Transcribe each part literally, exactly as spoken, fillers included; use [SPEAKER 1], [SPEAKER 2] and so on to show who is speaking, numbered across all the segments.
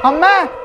[SPEAKER 1] അമ്മ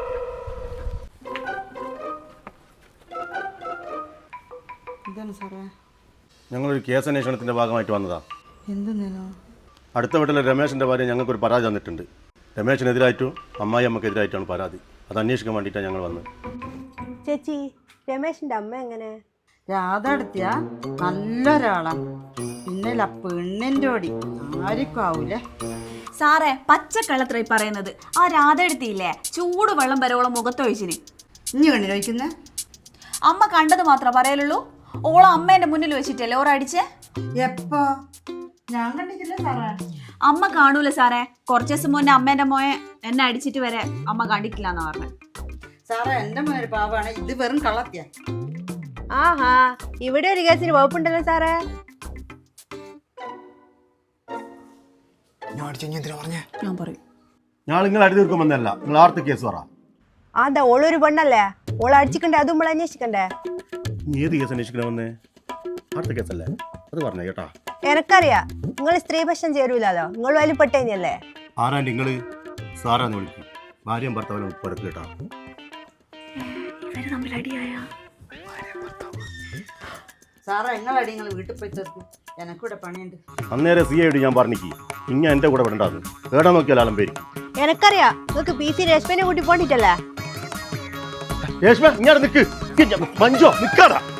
[SPEAKER 2] എന്താണ് സാറേ?
[SPEAKER 3] ഞങ്ങളൊരു കേസ് അന്വേഷണത്തിൻ്റെ ഭാഗമായിട്ട് വന്നതാ.
[SPEAKER 2] എന്തെന്നോ?
[SPEAKER 3] അടുത്ത വീട്ടിലെ രമേശിൻ്റെ ഭാര്യ ഞങ്ങൾക്കൊരു പരാതി തന്നിട്ടുണ്ട്. രമേശിനെതിരായിട്ടും അമ്മായി അമ്മക്കെതിരായിട്ടാണ് പരാതി. അത് അന്വേഷിക്കാൻ വേണ്ടിയിട്ടാണ് ഞങ്ങൾ വന്നത്.
[SPEAKER 4] ചേച്ചി, രമേശിന്റെ അമ്മ എങ്ങനെ?
[SPEAKER 2] രാധ എടുത്തിയ നല്ലൊരാളാണ്. പിന്നെ പെണ്ണിൻ്റെ ഓടി ആർക്കും ആവൂലേ
[SPEAKER 5] സാറേ. പച്ചക്കള്ളത്രേ പറയുന്നത്. ആ രാധ എടുത്തില്ലേ, ചൂട് വെള്ളം വരോളം മുഖത്തൊഴിച്ചിന്.
[SPEAKER 2] ഇനി കണ്ണിൽ വയ്ക്കുന്നേ?
[SPEAKER 5] അമ്മ കണ്ടത് മാത്രം പറയലുള്ളൂ. ഓളെ അമ്മേന്റെ മുന്നിൽ വെച്ചിട്ടല്ലേ ഓരടിച്ചേ?
[SPEAKER 2] എപ്പോ? ഞാൻ കണ്ടിട്ടില്ല സാറേ.
[SPEAKER 5] അമ്മ കാണൂല സാറേ. കുറച്ചു ദിവസം മുന്നേ അമ്മേന്റെ മോയെ എന്നെ അടിച്ചിട്ട് വരെ അമ്മ കണ്ടിട്ടില്ല എന്നാ പറഞ്ഞത്.
[SPEAKER 2] സാറേ, എന്റെ മോനൊരു പാവാണ്. ഇത് വെറും കള്ളത്തിയ.
[SPEAKER 4] ആഹാ, ഇവിടെ ഒരു കേസിന് വകുപ്പുണ്ടല്ലോ സാറേ.
[SPEAKER 5] ഞാൻ പറയും.
[SPEAKER 3] ഞാൻ നിങ്ങൾ അടി തീർക്കും വന്നല്ല. നിങ്ങൾ ആർത്ത് കേസ് പറ.
[SPEAKER 4] അതാ ഓളൊരു പെണ്ണല്ലേ, ഓളെ അടിച്ചിക്കണ്ടേ, അതും നമ്മൾ അന്വേഷിക്കണ്ടേ?
[SPEAKER 3] ഏത് കേസ് അന്വേഷിക്കണ വന്നേ? ആർത്ത കേസല്ലേ? അത് പറഞ്ഞേ കേട്ടാ.
[SPEAKER 4] എനക്കറിയാ, നിങ്ങൾ സ്ത്രീ പക്ഷം ചേരൂലോ, നിങ്ങൾ വലിയ പെട്ടേനല്ലേ.
[SPEAKER 3] ആരാ നിങ്ങള്? സാറാന്ന് വിളിക്കും. ഭാര്യയും ഭർത്താവിനും ഉപ്പടക്ക് കേട്ടാ.
[SPEAKER 2] സാറേ, നിങ്ങളടി നിങ്ങൾ വീട്ടിൽ പോയി തീർക്കും. എനക്കൂടെ പണിയുണ്ട്.
[SPEAKER 3] അന്നേരം സി ഐ ഡി ഞാൻ പറഞ്ഞിക്ക് ഇങ്ങ എന്റെ കൂടെ വിടണ്ടാന്ന്. കേടാ നോക്കിയാൽ ആളും പേര്.
[SPEAKER 4] എനക്കറിയാ, നിങ്ങൾക്ക് പി സി രശ്മിനെ കൂട്ടി പോണ്ടിട്ടല്ലേ.
[SPEAKER 3] രേഷ്മ ഇങ്ങനെ നിക്ക്. മഞ്ജോ നിക്കാടാ.